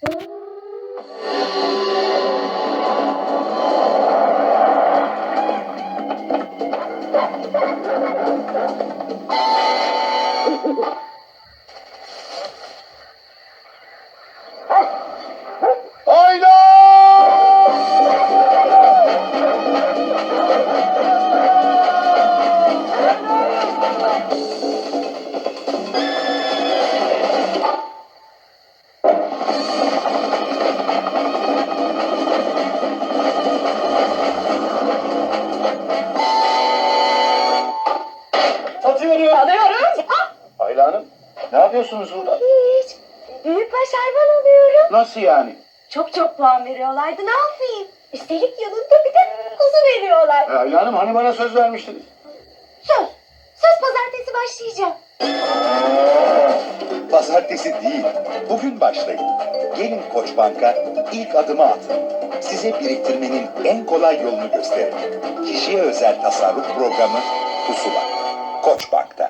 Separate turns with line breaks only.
Alıyorum.
Ayla Hanım, ne yapıyorsunuz burada?
Hiç. Büyükbaş hayvan alıyorum.
Nasıl yani?
Çok puan veriyorlardı. Ne yapayım? Üstelik yanında bir de kuzu veriyorlar.
Ayla Hanım, hani bana söz vermiştiniz?
Söz. Söz pazartesi başlayacağım.
Pazartesi değil, bugün başlayın. Gelin Koçbank'a ilk adımı atın. Size biriktirmenin en kolay yolunu gösterin. Kişiye özel tasarruf programı Pusula. Koçbank'ta.